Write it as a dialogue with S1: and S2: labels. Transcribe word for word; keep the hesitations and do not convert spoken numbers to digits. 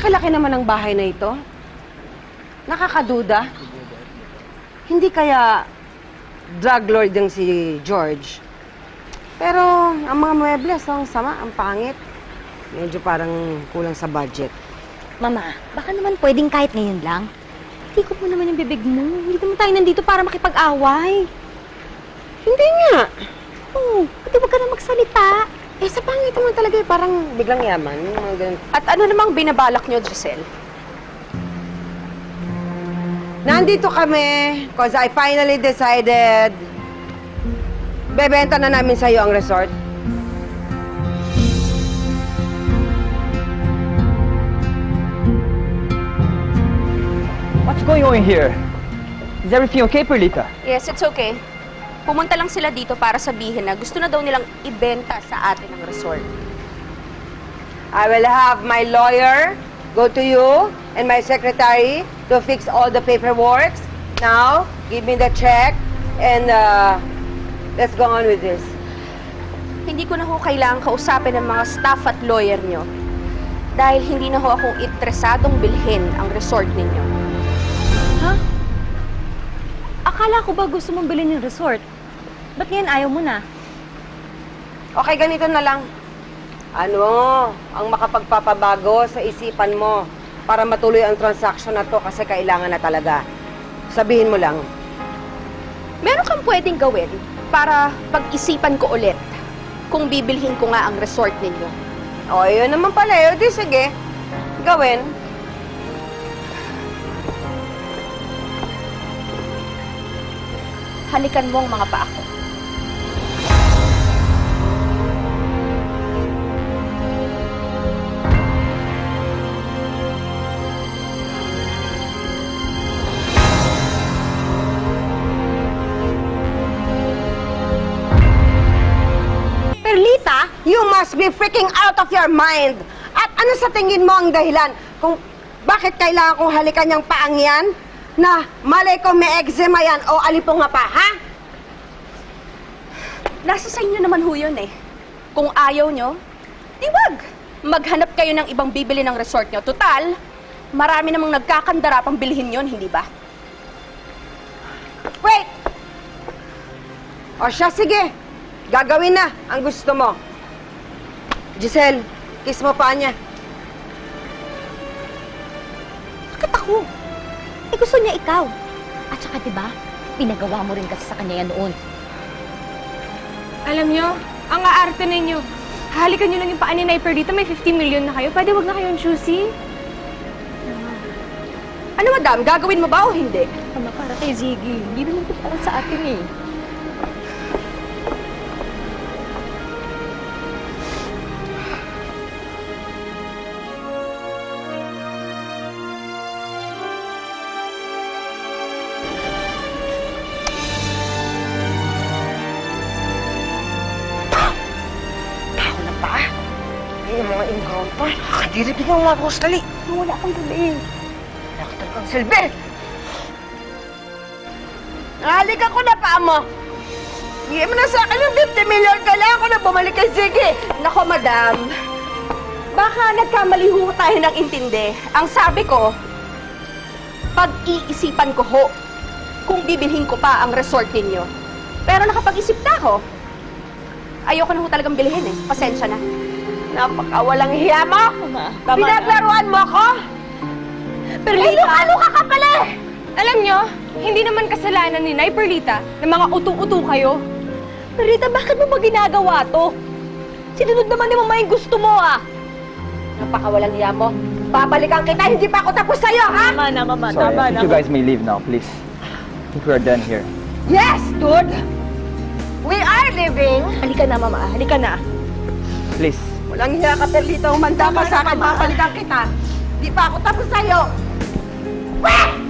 S1: laki-laki naman ang bahay na ito. Nakakaduda. Hindi kaya drug lord yung si George. Pero ang mga muebles, ang sama, ang pangit. Medyo parang kulang sa budget.
S2: Mama, baka naman pwedeng kahit ngayon lang. Tikot mo naman yung bibig mo. Hindi naman tayo nandito para makipag-away.
S1: Hindi nga.
S2: Oo, pati wag ka na magsalita.
S1: Eh, sa pangit naman talaga eh, parang biglang yaman. Mga ganun.
S3: At ano namang binabalak nyo, Giselle?
S1: Nandito kami because I finally decided bebenta na namin sa'yo ang resort.
S4: What's going on here? Is everything okay, Perlita?
S3: Yes, it's okay. Pumunta lang sila dito para sabihin na gusto na daw nilang ibenta sa atin ang resort.
S1: I will have my lawyer go to you and my secretary to fix all the paperwork. Now, give me the check and uh, let's go on with this.
S3: Hindi ko na ho kailangang kausapin ng mga staff at lawyer nyo dahil hindi na ho akong interesadong bilhin ang resort ninyo.
S2: Ha? Akala ko ba gusto mong bilhin yung resort? Ba't ngayon ayaw mo na?
S1: Okay, ganito na lang. Ano ang makapagpapabago sa isipan mo para matuloy ang transaction na to kasi kailangan na talaga? Sabihin mo lang.
S3: Meron kang pwedeng gawin para pag-isipan ko ulit kung bibilhin ko nga ang resort ninyo.
S1: O, yun naman pala. O, di sige. Gawin.
S3: Halikan mo ang mga paa ko.
S1: Perlita, you must be freaking out of your mind. At ano sa tingin mo ang dahilan kung bakit kailangan kong halikan yung paang yan? Na malay ko may eczema yan o alipong nga pa, ha?
S3: Nasa sa inyo naman ho yun eh. Kung ayaw nyo, di wag. Maghanap kayo ng ibang bibili ng resort nyo. Total, marami namang nagkakandara pang bilhin yon, hindi ba?
S1: Wait! O siya, sige. Gagawin na ang gusto mo. Giselle, kiss mo pa niya.
S2: Bakit ako? Eh gusto niya ikaw. At saka diba, pinagawa mo rin kasi sa kanya yan noon.
S5: Alam nyo, ang aarte ninyo. Halikan nyo lang yung paa ni Sniper dito, may fifty million na kayo. Pwede wag na kayong choosy.
S3: Ano madam, gagawin mo ba o hindi?
S2: Tama para kay Ziggy. Hindi naman ito para sa atin eh.
S1: Yung mga encounter, nakakadiri biglang mga boss, dali.
S2: Wala kang gabi.
S1: Nakaktal kang silbi. Nahalikan ko na pa mo. Bigyan mo na sa akin yung fifty million. Kailangan ko na bumalik kay Ziggy.
S3: Nako madam, baka nagkamali ho tayo ng intindi. Ang sabi ko, pag-iisipan ko ho kung bibilhin ko pa ang resort ninyo. Pero nakapag-isip na ako. Ayoko na ho talagang bilhin eh. Pasensya na.
S1: Napakawalang hiya mo.
S2: Tama. Tama
S1: Pinaglaruan mo ako.
S5: Pero
S1: Eh, luka-luka ka pala eh.
S5: alam nyo, hindi naman kasalanan ni Nay Perlita na mga utu-utu kayo.
S2: Perlita, bakit mo ba ginagawa to? Sinunod naman ni Mama yung gusto mo ah.
S1: Napakawalang hiya mo. Babalikan kita, hindi pa ako tapos sa'yo, ha?
S2: Tama na, Mama.
S4: Sorry,
S2: Tama
S4: I
S2: na.
S4: think you guys may leave now, please. I think we are done here.
S1: Yes, dude. We are living.
S2: Halika na, Mama. Halika na.
S4: Please.
S1: Walang hiya ka, Perlita. Umanda ka sa akin. Babalikan kita. Hindi pa ako tapos sa'yo. Weh!